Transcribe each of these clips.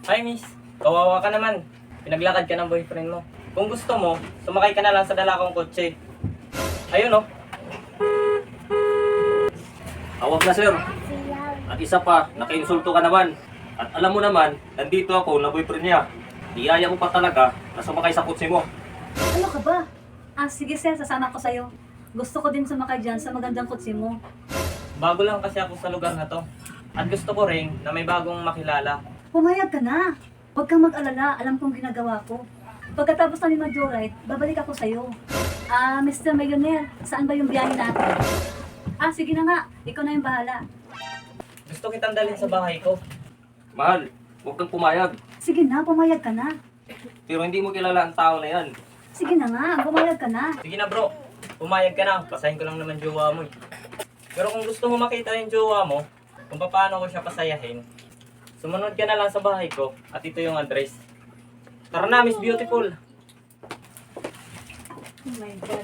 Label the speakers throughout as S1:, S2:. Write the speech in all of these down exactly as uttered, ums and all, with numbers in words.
S1: Hi miss, kawawa ka naman. Pinaglakad ka ng boyfriend mo. Kung gusto mo, sumakay ka na lang sa dala kong kotse. Ayun oh.
S2: Awag na sir. At isa pa, naka-insulto ka naman. At alam mo naman, nandito ako na boyfriend niya. Iyaya mo pa talaga na sumakay sa kotse mo.
S3: Ano ka ba? Ah, sige sir, sasama ko sa'yo. Gusto ko din sumakay dyan sa magandang kutsi mo.
S1: Bago lang kasi ako sa lugar na to. At gusto ko rin na may bagong makilala.
S3: Pumayag ka na. Huwag kang mag-alala, alam kong ginagawa ko. Pagkatapos namin mag-joyride, babalik ako sa'yo. Ah, mister Millionaire, saan ba yung biyahe natin? Ah, sige na nga, ikaw na yung bahala.
S1: Gusto kitang dalhin sa bahay ko.
S2: Mahal, huwag kang pumayag.
S3: Sige na, pumayag ka na.
S2: Pero hindi mo kilala ang tao na yan.
S3: Sige na nga, pumayag ka na.
S1: Sige na bro, pumayag ka na. Pasahin ko lang naman jowa mo eh. Pero kung gusto mo makita yung jowa mo, kung paano ko siya pasayahin, sumunod ka na lang sa bahay ko at ito yung address. Tara na, Miss Beautiful.
S3: Oh my God.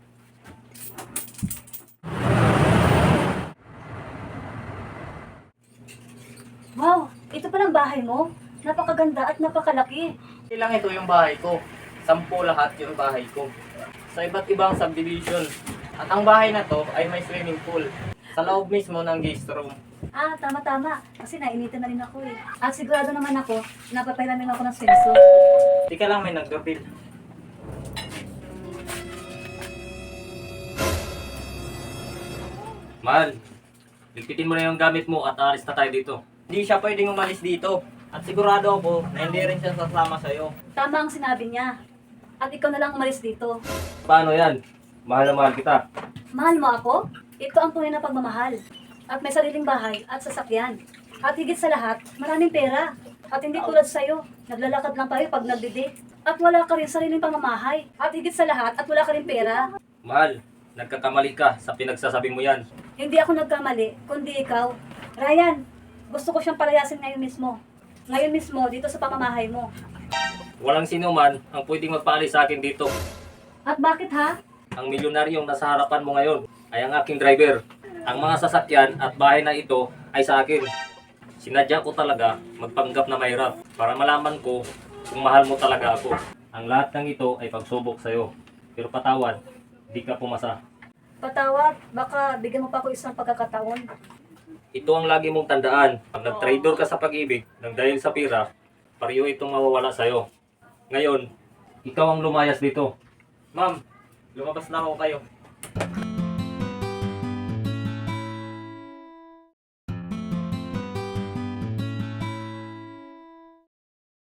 S3: Wow, ito palang bahay mo. Napakaganda at napakalaki.
S1: Ilang ito yung bahay ko. Sampu lahat yung bahay ko. Sa iba't ibang subdivision. At ang bahay na to ay may swimming pool. Sa loob mismo ng guest room.
S3: Ah, tama-tama. Kasi nainitan na rin ako eh. At sigurado naman ako, napapahiramin ako ng swimsuit.
S1: Tika lang, may nag-doorbell.
S2: Mahal, ligpitin mo na yung gamit mo at aalis na tayo dito.
S1: Hindi siya pwedeng umalis dito. At sigurado ako na hindi rin siya sasama sa'yo.
S3: Tama ang sinabi niya. At ikaw na lang umalis dito.
S2: Paano yan? Mahal na mahal kita.
S3: Mahal mo ako? Ito ang tunay na pagmamahal. At may sariling bahay at sasakyan. At higit sa lahat, maraming pera. At hindi tulad sa'yo, naglalakad lang tayo pag nagdidate. At wala ka rin sariling pamamahay. At higit sa lahat, at wala ka rin pera.
S2: Mahal, nagkakamali ka sa pinagsasabi mo yan.
S3: Hindi ako nagkamali, kundi ikaw. Ryan, gusto ko siyang palayasin ngayon mismo. Ngayon mismo, dito sa pamamahay mo.
S2: Walang sino man ang pwedeng magpaalis sa akin dito.
S3: At bakit ha?
S2: Ang milyonaryong nasa harapan mo ngayon ay ang aking driver. Ang mga sasakyan at bahay na ito ay sa akin. Sinadya ko talaga magpanggap na mahirap para malaman ko kung mahal mo talaga ako. Ang lahat ng ito ay pagsubok sa'yo. Pero patawad, di ka pumasa.
S3: Patawad, baka bigyan mo pa ako isang pagkakataon.
S2: Ito ang lagi mong tandaan. Pag nag-traitor ka sa pag-ibig ng dahil sa pira, pariyo itong mawawala sa'yo. Ngayon, ikaw ang lumayas dito.
S1: Ma'am, lumabas na ako kayo.